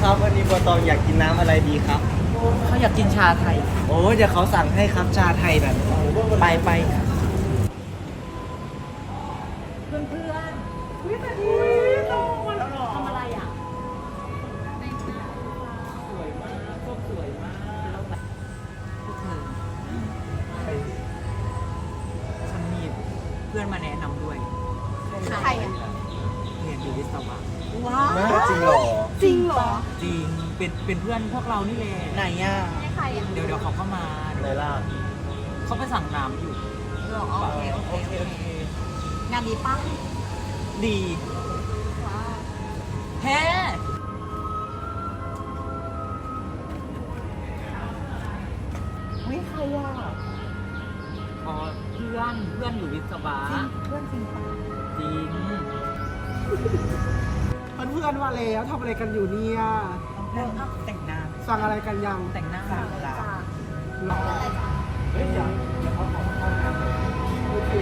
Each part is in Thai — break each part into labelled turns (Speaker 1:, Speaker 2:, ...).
Speaker 1: ครับวันนี้บัวตองอยากกินน้ำอะไรดีครับ
Speaker 2: เขาอยากกินชาไทย
Speaker 1: โอ้เดี๋ยวเขาสั่งให้ครับชาไทยแบบไป
Speaker 2: เพื่อนวิสดีมาแล้วหรอทำอะไรอ่ะสวยมากก็สวยมากพวกเธอฉันมีเพื่อนมาแนะนำด้วย
Speaker 3: ใครอ่ะ
Speaker 2: เรียนอยู่วิศวะ
Speaker 3: ว้าว
Speaker 1: จริงเหรอ
Speaker 3: จริงเหรอ
Speaker 2: จริงเป็นเพื่อนพวกเรานี่แหละ
Speaker 1: ไหนอ่ะ
Speaker 3: ไม่ใครอ่ะ
Speaker 2: เดี๋ยวเขาก็มา
Speaker 1: ไหนล่ะ
Speaker 2: เขาไปสั่งน้ำอยู่
Speaker 3: หรอโอเคโอเคโอเคงานดีป่ะ
Speaker 2: ดี
Speaker 3: ว้าว
Speaker 2: แฮ่
Speaker 3: ไม่ใครอ่ะ
Speaker 2: อ๋อเพื่อนอยู่วิศวะ
Speaker 3: เพื่อนจริงป่ะ
Speaker 2: จริง
Speaker 4: เพื่อนๆมาแล้วทำอะไรกันอยู่เนี่ย
Speaker 2: แต่งหน้า
Speaker 4: สั่งอะไรกันยัง
Speaker 2: แต่งหน้า
Speaker 3: จ้า
Speaker 4: หรอ
Speaker 3: อะไรจ้า
Speaker 1: เฮ้ยเดี๋ยวเขาขอเข้าน้ำ
Speaker 4: โอเค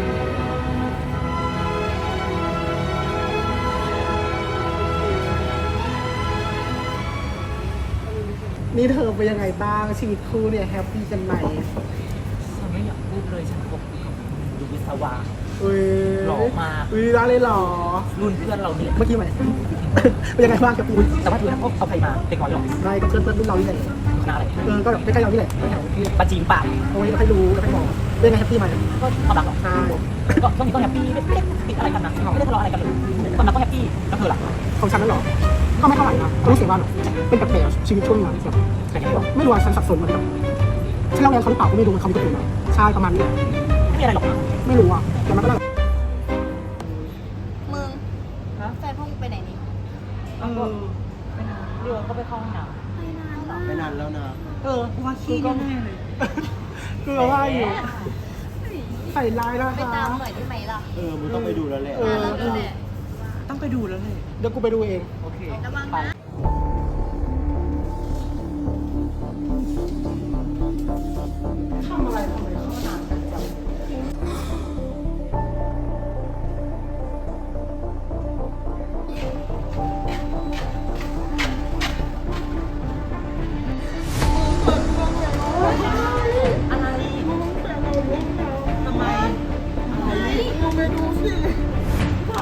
Speaker 4: นี่เธอเป็นยังไงบ้างชีวิตคู่เนี่ยแฮปปี้กันไหม
Speaker 2: ฉันไม่อยากพูดเลยฉันคบกับอยู่วิศวะ
Speaker 4: อุ้ย
Speaker 2: หล่อมาก
Speaker 4: อุ้ยได้เลยเหรอ
Speaker 2: รุ่นเพื่อนเราเนี่ย
Speaker 4: เมื่อกี้ไหม เป็นยังไงบ้างแฮปปี้
Speaker 2: แต่ว่าดูนะเอาใครมาเด็กน้อยหรอ
Speaker 4: ได้กับเพื่อนรุ่นเรานี่แหละ
Speaker 2: หน้าอะไร
Speaker 4: ก็แบบใกล้ๆเรานี่แหละ
Speaker 2: ปาจีนปาก
Speaker 4: โอ้ยเราให้รู้เราให้บอกเป็นยังไงแฮปปี้ไหม
Speaker 2: ก็ความรักหรอ
Speaker 4: ใช่
Speaker 2: ก็ช่วงนี้ก็แฮปปี้ไม่ได้ติดอะไรกันนะไม่ได้ทะเลาะอะไรกันเลยความรักก็แฮปปี้แล้วเธอล่ะ
Speaker 4: ของฉันนั่นเหรอก็ไม่เท่าไหร่นะก็รู้สึกว่าเป็นแปลกๆชีวิตช่วงนั้นแบบ
Speaker 2: แต่ยังไงบอก
Speaker 4: ไม่รู้ว่าฉันสับสนเหมือนกันฉันเล่าเรียนเขาหรือเปล่าก็ไม่รู้มันเขามีคนอื่นมาใช่ประมาณนี้
Speaker 2: ไม่มีอะไรหรอกนะ
Speaker 4: ไม่รู้อ่ะแต่มันก็ได้
Speaker 3: มึงแฟนพวกมึงไปไหนนี่
Speaker 2: เรือก็ไปเข้าห้องน้
Speaker 3: ไปนานเหรอ
Speaker 1: ไม่นานแล้วนะ
Speaker 2: ว่าขี้ก็แน่เลย
Speaker 4: คือเราว่าอยู่ใส่ลายแล้ว
Speaker 3: ไป
Speaker 4: คะ
Speaker 3: ตามหน่อยได้ไหมล่ะ
Speaker 1: มึงต้องไปดูแล้วแหละ
Speaker 3: นานแล้วนี่แหละ
Speaker 2: ต้องไปดูแล้วเลย
Speaker 4: เดี๋ยวกูไปดูเอง
Speaker 2: โอเค
Speaker 3: ระวังนะ
Speaker 4: ทำอะไรเข้านานกันจังไปดูสิไป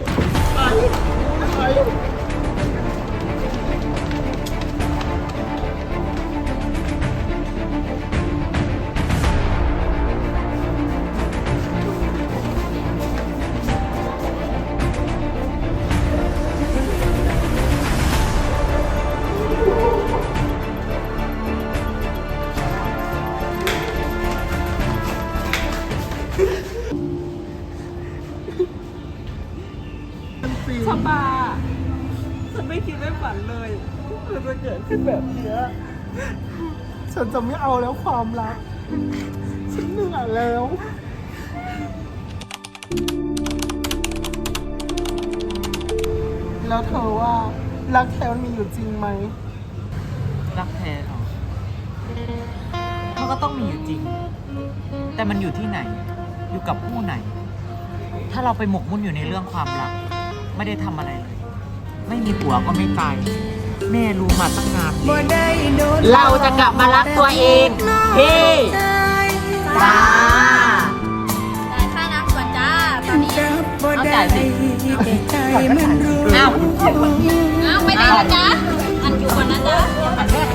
Speaker 2: ชบาฉันไม่คิดไม่ฝันเลยมันจะเกิดขึ้นแบบนี้
Speaker 4: ฉันจะไม่เอาแล้วความรัก ฉันเหนื่อยแล้ว แล้วเธอว่ารักแท้มันมีอยู่จริงไหม
Speaker 2: รักแท้เหรอมันก็ต้องมีอยู่จริง แต่มันอยู่ที่ไหน อยู่กับผู้ไหน ถ้าเราไปหมกมุ่นอยู่ในเรื่องความรัก ไม่ได้ทำอะไรเลย ไม่มีผัวก็ไม่ตาย แม่รู้มาตั้งนานเราจะกลับมารักตัวเองเฮ้จ้า
Speaker 3: จ่ายค่าน้ำก่อนจ้า ตอนนี้
Speaker 2: เอาจ่ายสิเอา
Speaker 3: เอาไปไหนนะจ๊ะ อันอยู่ก่อนนะจ๊ะ
Speaker 2: อันแรก